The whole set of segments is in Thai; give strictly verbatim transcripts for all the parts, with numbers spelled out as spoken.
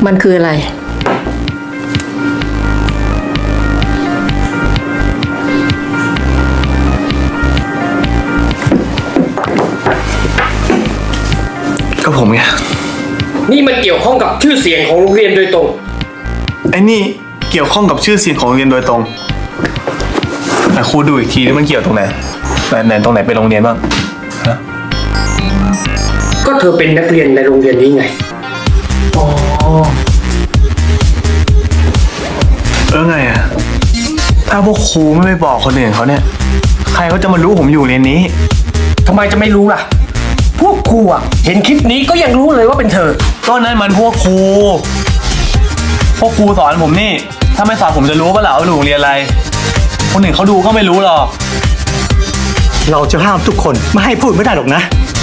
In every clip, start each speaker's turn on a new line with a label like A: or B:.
A: มันคืออะไร
B: ก็ผมไง
C: นี่มันเกี่ยวข้องกับชื่อเสียงของโรงเรียนโดยตรง
B: ไอ้นี่เกี่ยวข้องกับชื่อเสียงของโรงเรียนโดยตรงแต่ครูดูอีกทีนี่มันเกี่ยวตรงไหนไหนตรงไหนเป็นโรงเรียนบ้างฮะ
C: ก็เธอเป็นนักเรียนในโรงเรียนนี้ไง
B: อ๋อเออไงอะถ้าพวกครูไม่ไปบอกคนอื่นเขาเนี่ยใครเขาจะมารู้ผมอยู่เรียนนี้
C: ทำไมจะไม่รู้ล่ะพวกครูอ่ะเห็นคลิปนี้ก็ยังรู้เลยว่าเป็นเธอ
B: ก็นั่นมันพวกครูพวกครูสอนผมนี่ถ้าไม่สอนผมจะรู้ป่ะล่ะว่าหนูเรียนอะไรคนอื่นเขาดูก็ไม่รู้หรอก
D: เราจะห้ามทุกคนไม่ให้พูดไม่ได้หรอกนะ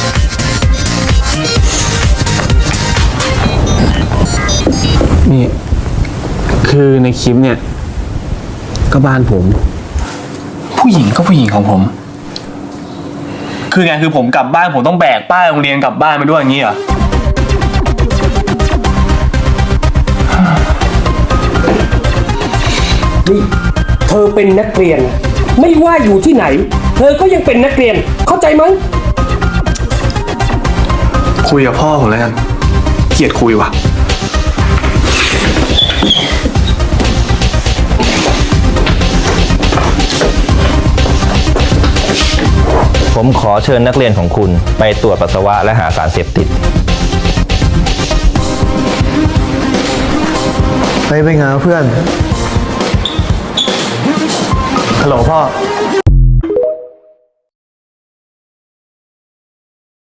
B: นี่คือในคลิปเนี่ยก็บ้านผมผู้หญิงก็ผู้หญิงของผมคือไงคือผมกลับบ้านผมต้องแบกป้ายโรงเรียนกลับบ้านไปด้วยอย่างนี้เหรอ
C: นี่เธอเป็นนักเรียนไม่ว่าอยู่ที่ไหนเธอก็ยังเป็นนักเรียนเข้าใจมั้ย
B: คุยกับพ่อผมแล้วกันเกลียดคุยว่ะ
E: ผมขอเชิญนักเรียนของคุณไปตรวจปัสสาวะและหาสารเสพติด
D: ไปไปงานเพื่อน
B: ฮัลโหลพ่อ